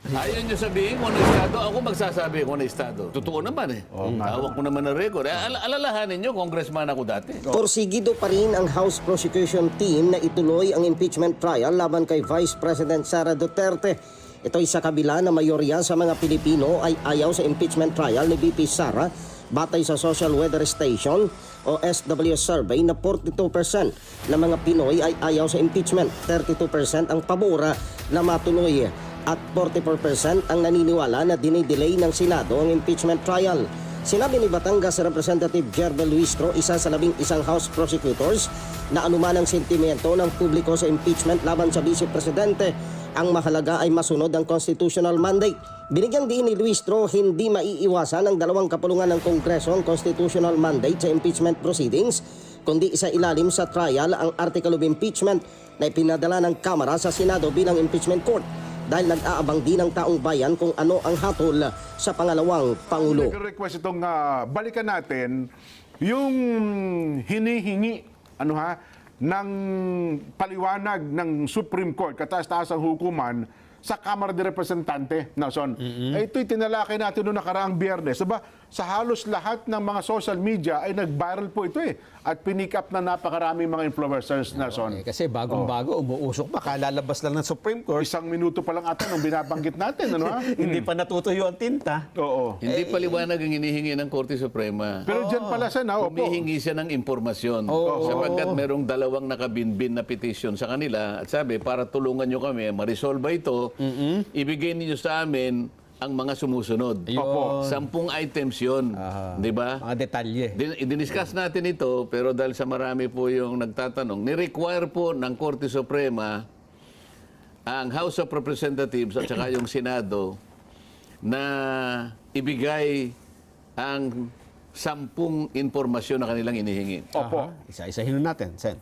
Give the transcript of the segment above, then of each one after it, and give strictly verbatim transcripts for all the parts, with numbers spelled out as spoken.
Ayaw nyo sabihin kung ano estado, ako magsasabi kung ano estado. Totoo naman eh. Oh, hawak ko naman ng record. Eh, al alalahanin nyo, congressman ako dati. Porsigido pa rin ang House Prosecution Team na ituloy ang impeachment trial laban kay Vice President Sara Duterte. Ito'y sa kabila na mayorya sa mga Pilipino ay ayaw sa impeachment trial ni V P Sara batay sa Social Weather Station o S W S survey na forty-two percent na mga Pinoy ay ayaw sa impeachment, thirty-two percent ang pabora na matuloy at forty-four percent ang naniniwala na dinidelay ng Senado ang impeachment trial. Sinabi ni Batangas Representative Jervel Luistro, isa sa labing isang House Prosecutors, na anuman ang sentimiento ng publiko sa impeachment laban sa Vice Presidente, ang mahalaga ay masunod ang constitutional mandate. Binigyang diin ni Luistro, hindi maiiwasan ang dalawang kapulungan ng Kongreso ang constitutional mandate sa impeachment proceedings, kundi isa ilalim sa trial ang article of impeachment na ipinadala ng Kamara sa Senado bilang impeachment court, dahil nag-aabang din ng taong bayan kung ano ang hatol sa pangalawang Pangulo. Nag-request itong uh, balikan natin yung hinihingi ano ha, ng paliwanag ng Supreme Court, kataas-taasang hukuman, sa Kamara de Representante, Nelson. Mm-hmm. Eh, ito'y tinalakay natin noong nakaraang Biyernes. Diba? Sa halos lahat ng mga social media ay nag-viral po ito eh. At pinick up na napakaraming mga influencers, Nelson. Eh, kasi bagong-bago, oh. umuusok pa, kalalabas lang ng Supreme Court. Isang minuto pa lang ata nung binabanggit natin, ano ha? Hindi pa natutuyo ang tinta. Oo. Hindi paliwanag ang hinihingi ng Korte Suprema. Pero dyan pala siya na, opo. Humihingi siya ng impormasyon. Oo. Sapagkat merong dalawang nakabinbin na petition sa kanila. At sabi, para tulungan nyo kami, ma-resolve ito, mm-hmm. ibigay niyo sa amin ang mga sumusunod. Opo. Sampung items yun. Di ba? Mga detalye. Din- Diniscuss natin ito, pero dahil sa marami po yung nagtatanong, ni-require po ng Korte Suprema ang House of Representatives at saka yung Senado na ibigay ang sampung impormasyon na kanilang inihingi. Opo. Isa-isahin natin, Sen.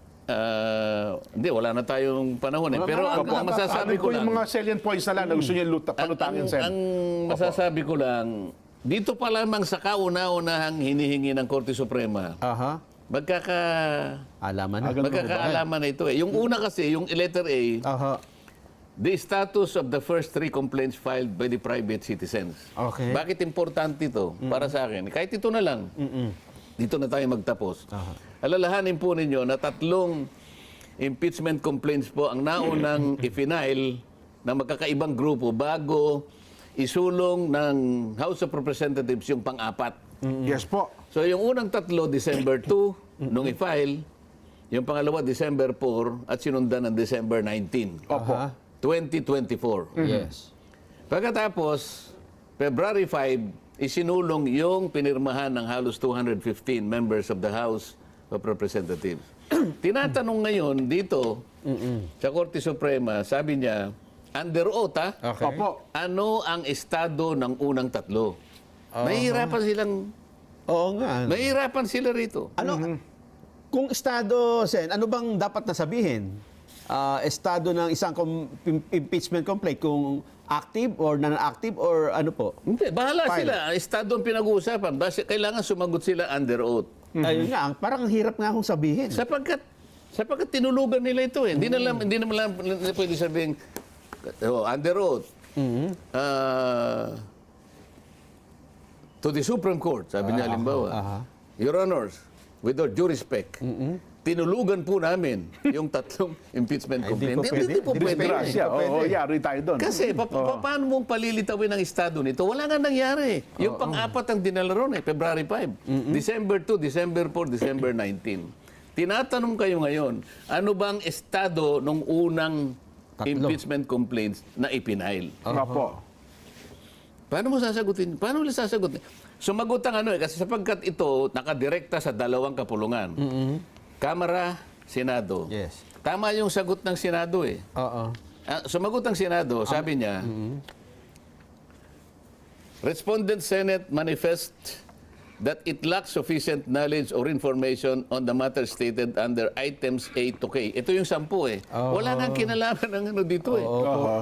Uh, hindi, wala na tayong panahon eh. Pero ang, ang masasabi ko lang... yung mga salient points na lang na gusto niya luta, palutangin, Sen. Ang masasabi ko lang, dito pa lamang sa kauna-unahang hinihingi ng Korte Suprema, Aha. magkaka... Alaman na. magkakaalaman na ito eh. Yung una kasi, yung letter A, Aha. the status of the first three complaints filed by the private citizens. Okay. Bakit importante ito para sa akin? Kahit ito na lang. Mm-mm. Dito na tayo magtapos. Aha. Alalahanin po ninyo na tatlong impeachment complaints po ang naunang i-file ng magkakaibang grupo bago isulong ng House of Representatives yung pang-apat. Yes po. So yung unang tatlo, December two, nung i-file. Yung pangalawa, December four, at sinundan ng December nineteen, Opo. twenty twenty-four. Yes. Pagkatapos, February five, isinulong yung pinirmahan ng halos two hundred fifteen members of the House of Representatives. Tinatanong ngayon dito sa Korte Suprema, sabi niya, under oath, ha? Okay. Opo. Ano ang estado ng unang tatlo? Mahihirapan silang, Oo nga. mahihirapan sila rito. Ano, kung estado, Sen, ano bang dapat na sabihin? Ah, estado ng isang com- im- impeachment complaint, kung active or non-active or ano po? Hindi, bahala File. sila. Estado ang pinag-uusapan. Basta kailangan sumagot sila under oath. Ayun nga, ang- parang ang hirap nga akong sabihin. Sapagkat, sapagkat tinulugan nila ito eh. Hindi na lang, hindi naman lang hindi pwede sabihin, oh, under oath. Ah, to the Supreme Court, sabi niya, halimbawa, aha. Your Honors, with all due respect, tinulugan po namin yung tatlong impeachment Ay, hindi complaint. po pwede. Hindi po pwede. Disgrasya. Oo, yari tayo doon. Kasi pa, pa- paano mong palilitawin ang estado nito? Wala nga nangyari. Yung pang-apat ang dinala ron eh, February five. December two, December four, December nineteen. Tinatanong kayo ngayon, ano bang estado nung unang Tatlo. impeachment complaints na ipinail? Opo. Paano mo sasagutin? Paano mo sasagutin? Sumagot ang ano eh, kasi sapagkat ito nakadirekta sa dalawang kapulungan. Kamara, Senado. Yes. Tama yung sagot ng Senado eh. Oo. Ah, sumagot ang Senado, sabi niya, Respondent Senate manifest that it lacks sufficient knowledge or information on the matter stated under items A to K. Ito yung sampu eh. Oo. Wala nang kinalaman ng ano dito eh. Oo po.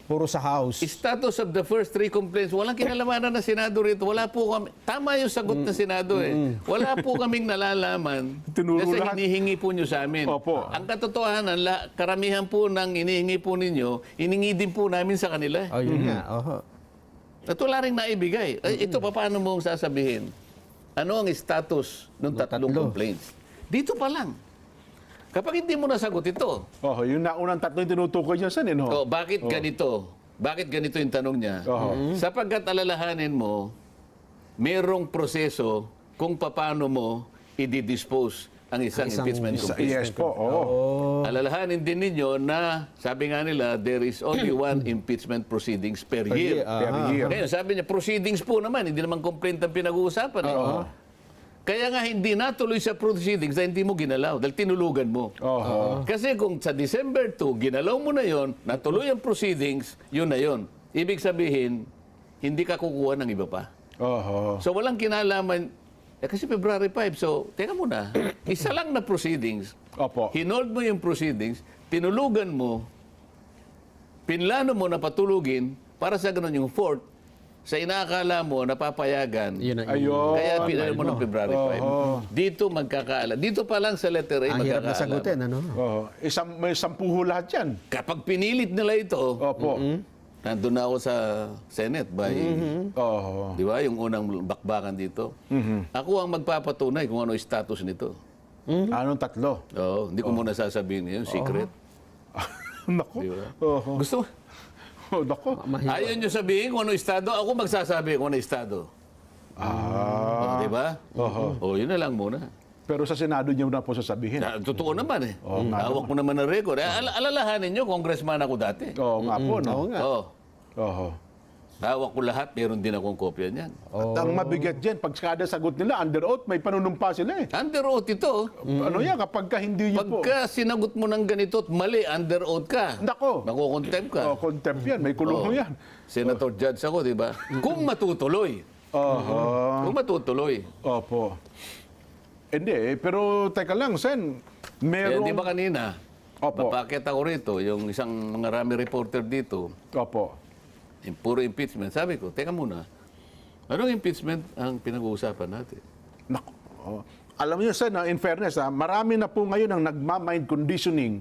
Puro sa House. Status of the first three complaints, walang kinalamanan na Senado rito. Wala po kami, tama yung sagot ng Senado eh. Wala po kaming nalalaman Tinuro kasi lahat. hinihingi po nyo sa amin. Opo. Ang katotohanan, la, karamihan po ng hinihingi po ninyo, hiningi din po namin sa kanila. Oh, yun nga. Oho. At wala rin naibigay. Ay, ito, paano mo sasabihin? Ano ang status ng tatlong tatlo. complaints? Dito pa lang. Kapag hindi mo nasagot ito, Oh, yung naunang tatlo yung tinutukoy niya, Sen, eh, no? oh, bakit ganito? Bakit ganito yung tanong niya? Oo. Sapagkat alalahanin mo, merong proseso kung paano mo i-dispose ang isang, Isang- impeachment Sa- complaint. yes po, oo. Alalahanin din ninyo na, sabi nga nila, there is only one impeachment proceedings per year. year, Per aha. year. Ngayon, sabi niya, proceedings po naman, hindi naman complaint ang pinag-uusapan. Eh. Kaya nga hindi natuloy sa proceedings dahil hindi mo ginalaw, dahil tinulugan mo. Oo. Kasi kung sa December two, ginalaw mo na yon, natuloy ang proceedings, yun na yon. Ibig sabihin, hindi ka kukuha ng iba pa. Oo. So walang kinalaman, eh, kasi February five, so teka muna, isa lang na proceedings, Opo. hinold mo yung proceedings, tinulugan mo, pinlano mo na patulugin, para sa ganun yung fourth, sa inaakala mo, napapayagan, Yun ang Ayun. kaya pinalo mo ng February five. Dito magkakaala. Dito pa lang sa letter A, Ang hirap na magkakaala. sagutin, ano? Oo. Isang, may sampuho lahat yan. Kapag pinilit nila ito, Opo. nandun na ako sa Senate by, Oo. di ba, yung unang bakbakan dito. Ako ang magpapatunay kung ano yung status nito. Anong tatlo? Oo, hindi ko muna sasabihin yun, secret. Naku. Di ba? Oo. Gusto mo? Oh, naku. Ayaw nyo sabihin kung ano yung estado, ako magsasabi kung ano yung estado. Ah. Oh, di ba? Oh, yun na lang muna. Pero sa Senado niyo na po sasabihin. Na, totoo naman eh. Oo, nga Hawak mo naman ng record. Eh, al- alalahanin nyo, congressman ako dati. Oo nga po, no? Oo nga. Oo. Oo. Hawak ko lahat, meron din akong kopya niyan. At ang mabigat dyan, pag kada sagot nila, under oath, may panunumpa sila eh. Under oath ito. Ano yan, kapag ka hindi niyo po. Pagka sinagot mo ng ganito at mali, under oath ka. Nako. Makukontempt ka. Oh, contempt yan, may kulong Oo. yan. Senator Judge ako, di ba? Kung matutuloy. Oho. Kung matutuloy. Opo. Hindi, eh, pero teka lang, Sen. Eh, Meron... di ba kanina, Opo. papakit ako rito, yung isang mga rami reporter dito, Opo. yung puro impeachment. Sabi ko, teka muna, anong impeachment ang pinag-uusapan natin? Nako. Oh. Alam niyo, Sen, ah, in fairness, ah, marami na po ngayon ang nagma-mind conditioning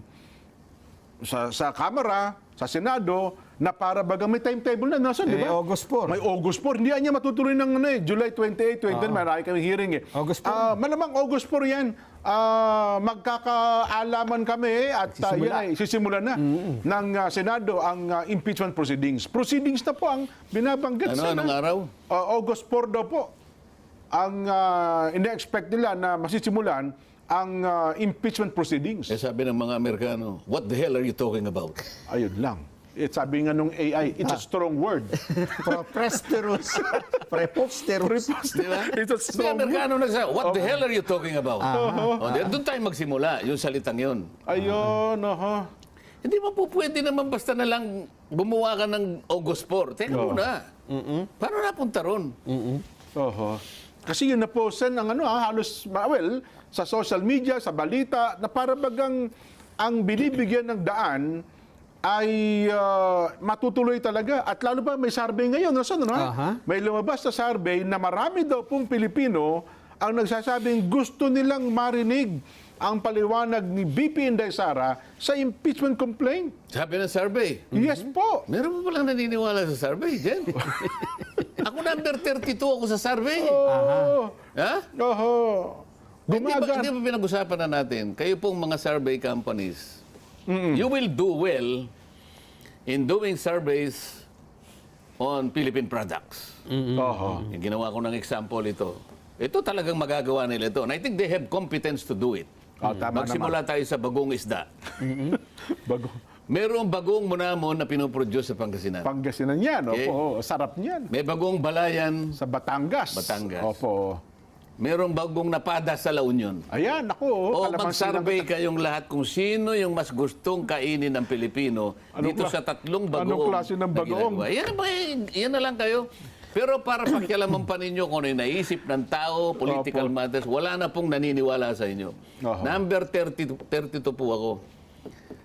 sa sa Kamara, sa Senado, na para bagang may timetable na. Nasaan, di Eh, ba? August four. May August four. Hindi yan niya matutuloy ng ano, eh, July twenty-eight, twenty-nine. Marami kami hearing eh. August four. Ah, malamang August four yan. Ah, magkakaalaman kami at ah, Sisimula. yan ay sisimulan na ng ah, Senado ang ah, impeachment proceedings. Proceedings na po ang binabanggit. Ano, Sen, anong ah. araw? Uh, August four daw po ang uh, ina-expect nila na masisimulan ang uh, impeachment proceedings. Eh sabi ng mga Amerikano, what the hell are you talking about? Ayun lang. It, sabi nga nung A I, it's a strong word. Preposterous. Preposterous. Di ba? It's a May strong word. Amerikano nagsabi, what the hell are you talking about? Oh, di- doon tayo magsimula, yung salitang yun. Ayun, oho. Hindi mo po pwede naman basta na lang gumawa ka ng August four. Teka Oo. muna. Paano napunta ron? Oho. Kasi yun na po, Sen, ang ano, ah, halos, well, sa social media, sa balita, na para bagang ang binibigyan ng daan ay ah, matutuloy talaga. At lalo pa may survey ngayon, no, Sen, no? Aha. May lumabas na survey na marami daw pong Pilipino ang nagsasabing gusto nilang marinig ang paliwanag ni B P Inday Sara sa impeachment complaint. Sabi ng survey. Yes po. Meron mo palang naniniwala sa survey, Jen? Ako number thirty-two ako sa survey. Oh. Ha? Oho. Hindi ba, Gumaga. hindi ba pinag-usapan na natin, kayo pong mga survey companies, you will do well in doing surveys on Philippine products. Oho. Yung ginawa ko ng example ito. Ito talagang magagawa nila ito. And I think they have competence to do it. Oh, tama Magsimula tayo sa bagong isda. Bago. Merong bagong munamon na pinoproduce sa Pangasinan. Pangasinan yan. Okay. Opo. Sarap niyan. May bagong balayan. Sa Batangas. Batangas. Opo. Merong bagong napada sa La Union. Ayan, ako. O kalamansi mag-survey ng- kayong lahat kung sino yung mas gustong kainin ng Pilipino Anong dito kla- sa tatlong bagoong anong klase ng na bagoong? ginagawa. Yan, na ba, yan na lang kayo. Pero para pakialaman pa ninyo kung ano yung naisip ng tao, political Opo. matters, wala na pong naniniwala sa inyo. Oho. Number thirty, thirty-two po ako.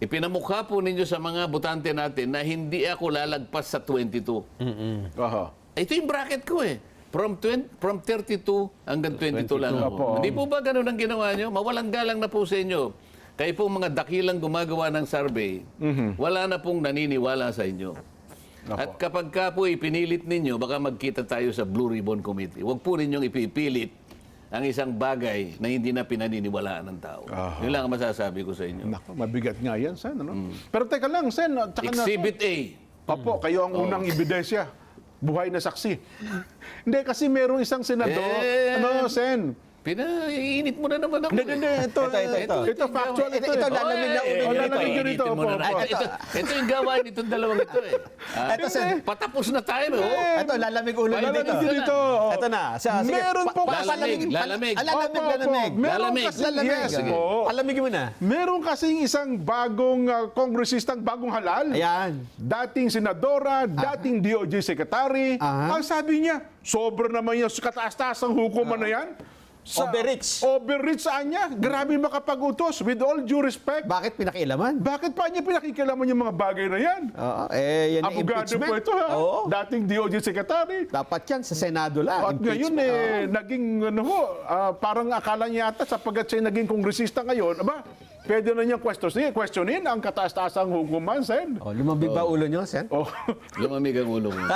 ipinamukha po ninyo sa mga botante natin na hindi ako lalagpas sa twenty-two. Oho. Ito yung bracket ko eh. From twenty, from thirty-two hanggang twenty-two lang ako. Opo. Hindi po ba ganun ang ginawa nyo? Mawalang galang na po sa inyo. Kayo po mga dakilang gumagawa ng survey, wala na pong naniniwala sa inyo. Opo. At kapag ka po ipinilit ninyo, baka magkita tayo sa Blue Ribbon Committee. Huwag po ninyong ipipilit ang isang bagay na hindi na pinaniniwalaan ng tao. Aha. Yun lang ang masasabi ko sa inyo. Nako, mabigat nga yan, Sen. Ano? Pero teka lang, Sen. Tsaka na, Exhibit A. Opo, kayo ang unang ebidensya. Buhay na saksi. Hindi, kasi merong isang senador. Eh. Ano, Sen? Pinaiinit mo na naman ako. Hindi, hindi. eh. Ito, Ito, ito, ito. Ito, factual ito. Ito, ito, eh. lalamig na ulo Eh, nyo ito, rito. initin Ito, mo na opo, natin. opo. Ito, ito yung gawain nitong dalawang ito eh. Ah, Ito, Sen. patapos na tayo, no? Ito, lalamig ulo nyo Lalamig dito. dito. Ito na. Siya, sige. Meron Pa- po pa- kasi- palamig- Lalamig. Ah, lalamig, Opo, opo. lalamig. Meron Lalamig. kasi, Lalamig. yes Sige. po. Palamigin mo na. Meron kasing isang bagong uh, kongresistang bagong halal. Ayan. Dating senadora, dating D O J secretary. Aha. Ang sabi niya, sobra naman yung kataas-taas ang hukuman na yan. Overreach. Overreach saan niya? Grabe makapag-utos. With all due respect. Bakit pinakialaman? Bakit pa niya pinakikilaman yung mga bagay na yan? Oo, eh, yan ang Abogado impeachment. po ito, ha? Oo. Dating D O J secretary. Dapat yan sa Senado lang. At ngayon, eh, naging, ano ho, ah, parang akala niya yata, sapagkat siya naging kongresista ngayon, aba, pwede na niyang questionin, questionin ang kataas-taasang hukuman, Sen. Oh, lumambig ba ulo nyo, Sen? Oh. Lumamig ang ulo mo.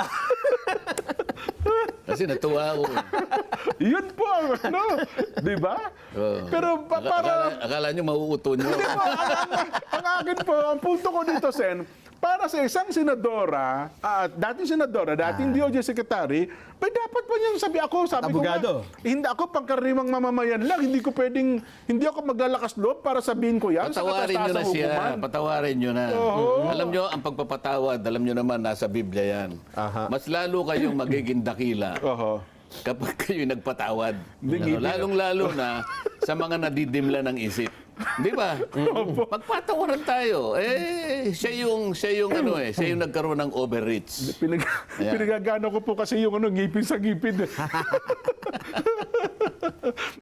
Kasi natuwa ako. eh. Yun po ang ano, di ba? Oo. Pero pa, Aka- para... Akala, akala nyo mauuto nyo. Hindi po, ang, ang, ang akin po, ang punto ko dito, Sen, para sa isang senadora, at dating senadora, dating D O J secretary, may dapat pa niyang sabi ako, sabi Abogado. ko nga, hindi ako pangkaraniwang mamamayan lang, hindi ko pwedeng, hindi ako maglalakas loob para sabihin ko yan Patawarin nyo na kataas-taasang siya. hukuman. Patawarin nyo na. Oo. Alam nyo, ang pagpapatawad, alam nyo naman, nasa Biblia yan. Aha. Mas lalo kayong magiging dakila Oho. kapag kayo nagpatawad. Hindi, Ano, lalong-lalo na sa mga nadidimla ng isip. Di ba? Magpatawaran tayo. Eh, siya yung, siya yung, ano eh, siya yung nagkaroon ng overreach. Pinag Ayan. pinagagano ko po kasi yung ano, ngipin sa ngipin.